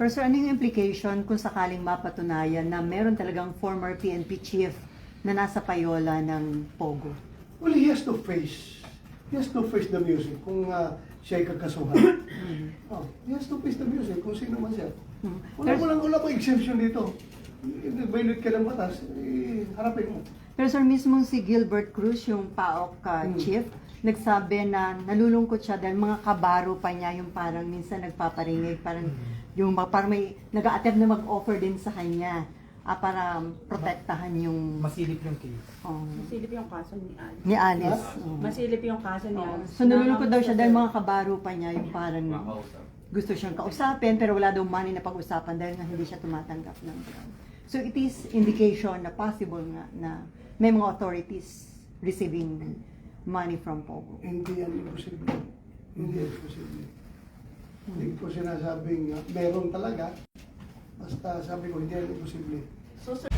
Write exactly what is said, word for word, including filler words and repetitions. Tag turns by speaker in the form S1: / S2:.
S1: Pero sir, ano yung implication kung sakaling mapatunayan na meron talagang former P N P chief na nasa payola ng Pogo?
S2: Well, he has to face, he has to face the music kung uh, siya ay kakasuhan. Oh, he has to face the music kung sino man siya.
S1: Hmm.
S2: Wala
S1: Pero-
S2: mo lang, wala pa exemption dito. If violate ka ng batas, eh, harapin mo.
S1: Pero sir, mismo si Gilbert Cruz, yung P A O K uh,
S2: Hmm.
S1: chief, nagsabi na nalulungkot siya dahil mga kabaro pa niya yung parang minsan nagpaparingig, parang yung ma- parang may nag-a-attempt na mag-offer din sa kanya ah, para protektahan yung
S3: Masilip yung case.
S1: oh,
S4: Masilip yung kaso ni Alice.
S1: ni Alice.
S2: Ha?
S1: Oh.
S4: Masilip yung kaso ni Alice.
S1: So nalulungkot daw siya dahil mga kabaro pa niya yung parang gusto siyang kausapin pero wala daw money na pag-usapan dahil nga hindi siya tumatanggap ng grant. So it is indication na possible nga na may mga authorities receiving money from Pogo.
S2: Hindi yan imposible. Hindi yan imposible. Hindi ko sinasabing uh, meron talaga. Basta sabi ko, hindi yan imposible.
S4: So, sir,